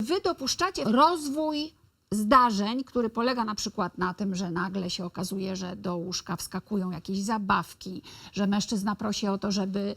wy dopuszczacie rozwój zdarzeń, który polega na przykład na tym, że nagle się okazuje, że do łóżka wskakują jakieś zabawki, że mężczyzna prosi o to, żeby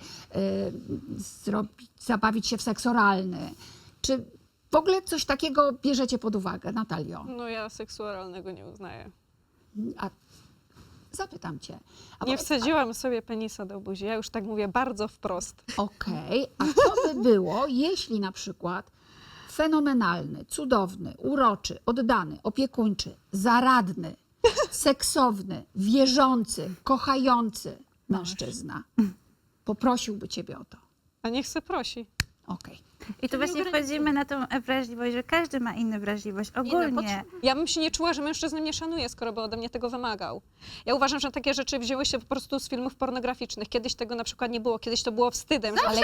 zabawić się w seks oralny. Czy w ogóle coś takiego bierzecie pod uwagę, Natalio? No ja seksu oralnego nie uznaję. A zapytam cię. Nie wsadziłam sobie penisa do buzi, ja już tak mówię bardzo wprost. Okej, a co by było, jeśli na przykład fenomenalny, cudowny, uroczy, oddany, opiekuńczy, zaradny, seksowny, wierzący, kochający mężczyzna poprosiłby ciebie o to? A niech se prosi. Okej. I tu właśnie wchodzimy na tą wrażliwość, że każdy ma inną wrażliwość, ogólnie. Ja bym się nie czuła, że mężczyzna mnie szanuje, skoro by ode mnie tego wymagał. Ja uważam, że takie rzeczy wzięły się po prostu z filmów pornograficznych. Kiedyś tego na przykład nie było, kiedyś to było wstydem. Ale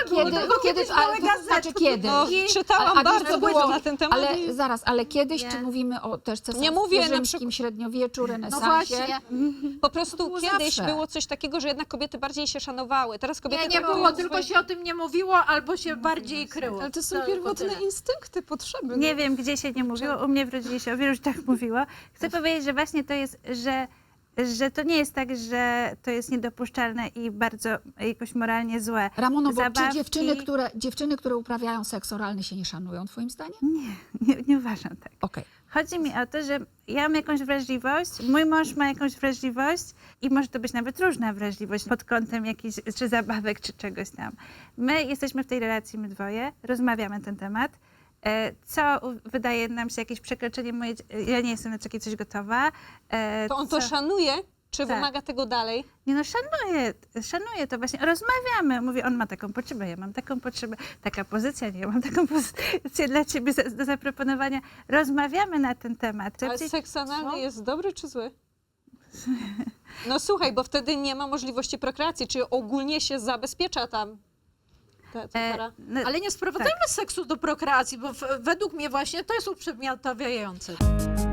kiedy? No, czytałam A wiesz, bardzo co dużo było? na ten temat. Ale zaraz, ale kiedyś, Nie. czy mówimy o też Nie mówię na rzymskim przykład- średniowieczu, No renesansie? właśnie. Po prostu było kiedyś zawsze. było coś takiego, że jednak kobiety bardziej się szanowały. Teraz kobiety Nie traktują było, swoje- tylko się o tym nie mówiło, albo się bardziej kryło. Ale to są Tylko pierwotne tyle. instynkty, potrzeby. Nie wiem, gdzie się nie mówiło, u mnie w rodzinie się o wielu tak mówiło. Chcę powiedzieć, że właśnie to jest, że to nie jest tak, że to jest niedopuszczalne i bardzo jakoś moralnie złe. Ramono, bo czy Zabawki- dziewczyny, które uprawiają seks oralny się nie szanują, twoim zdaniem? Nie uważam tak. Okej. Chodzi mi o to, że ja mam jakąś wrażliwość, mój mąż ma jakąś wrażliwość i może to być nawet różna wrażliwość pod kątem jakichś, czy zabawek, czy czegoś tam. My jesteśmy w tej relacji, my dwoje, rozmawiamy na ten temat. Co wydaje nam się jakieś przekroczenie moje, ja nie jestem na takie coś gotowa. To on to szanuje, czy Tak. wymaga tego dalej? Nie no, szanuję to właśnie, rozmawiamy. Mówię, on ma taką potrzebę, ja mam taką potrzebę, taka pozycja, nie, ja mam taką pozycję dla ciebie do zaproponowania. Rozmawiamy na ten temat. Ale seks analny jest dobry czy zły? No słuchaj, bo wtedy nie ma możliwości prokreacji, czyli ogólnie się zabezpiecza tam ta para. No, Ale nie sprowadzajmy seksu do prokreacji, bo według mnie właśnie to jest uprzedmiotawiające.